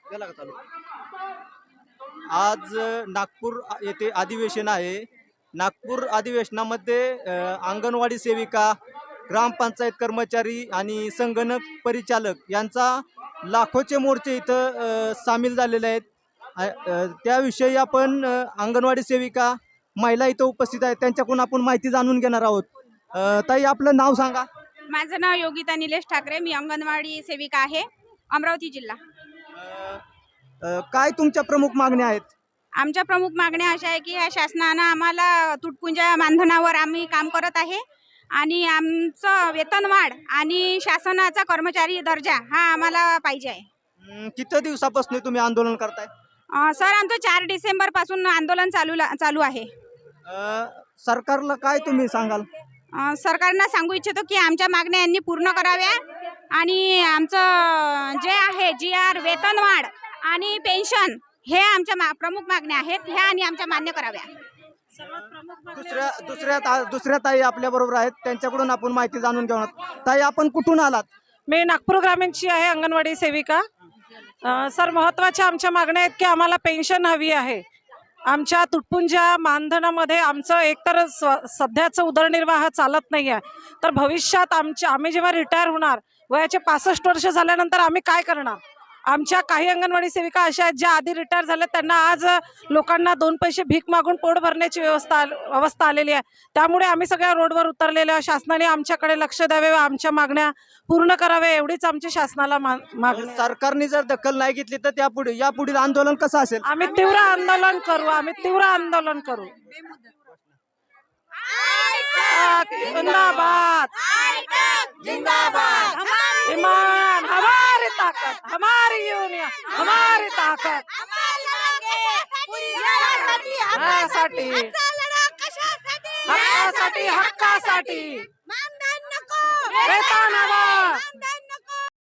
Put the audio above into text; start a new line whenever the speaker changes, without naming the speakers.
गेला का चालू? आज नागपूर येथे अधिवेशन आहे. नागपूर अधिवेशनामध्ये अंगणवाडी सेविका, ग्रामपंचायत कर्मचारी आणि संगणक परिचालक यांचा लाखोचे मोर्चे इथं सामील झालेले आहेत. त्याविषयी आपण अंगणवाडी सेविका, महिला इथं उपस्थित आहेत, त्यांच्याकडून आपण माहिती जाणून घेणार आहोत. ताई, आपलं नाव सांगा.
माझं नाव योगिता निलेश ठाकरे, मी अंगणवाडी सेविका आहे, अमरावती जिल्हा.
काय तुमच्या प्रमुख मागण्या आहेत?
आमच्या प्रमुख मागण्या अशा आहे की ह्या शासनानं आम्हाला तुटपुंजा मानधनावर आम्ही काम करत आहे आणि आमचं वेतनवाढ आणि शासनाचा कर्मचारी दर्जा हा आम्हाला पाहिजे आहे.
किती दिवसापासून तुम्ही आंदोलन करताय?
सर, आमचं 4 डिसेंबर पासून आंदोलन चालू आहे.
सरकारला काय तुम्ही सांगाल?
सरकारनं सांगू इच्छितो की आमच्या मागण्या यांनी पूर्ण कराव्या आणि आमचं जे आहे GR, वेतनवाढ आणि पेन्शन हे आमच्या प्रमुख मागण्या आहेत, ह्या आणि आमच्या मान्य कराव्या.
दुसऱ्या ताई आपल्या बरोबर आहेत, त्यांच्याकडून आपण माहिती जाणून घेऊ. ताई, आपण कुठून आलात?
मी नागपूर ग्रामीणची आहे, अंगणवाडी सेविका. सर, महत्त्वाच्या आमच्या मागण्या आहेत की आम्हाला पेन्शन हवी आहे. आमच्या तुटपुंजा मानधनामध्ये आमचं एकतर सध्याचं उदरनिर्वाह चालत नाही आहे, तर भविष्यात आम्ही जेव्हा रिटायर होणार, वयाचे 65 वर्ष झाल्यानंतर आम्ही काय करणार? आमच्या काही अंगणवाडी सेविका अशा आहेत ज्या आधी रिटायर झाल्या, त्यांना आज लोकांना 2 पैसे भीक मागून पोट भरण्याची अवस्था आलेली आहे. त्यामुळे आम्ही सगळ्या रोडवर उतरलेलो आहे. शासनाने आमच्याकडे लक्ष द्यावे व आमच्या मागण्या पूर्ण कराव्या, एवढीच आमची शासनाला मागणी.
सरकारने जर दखल नाही घेतली तर यापुढील आंदोलन कसं असेल?
आम्ही तीव्र आंदोलन करू. जिंदाबाद, जिंदाबाद. ईमान हमारी ताकत, हमारी यूनियन हमारी ताकत. हक्कासाठी वेतन हवं.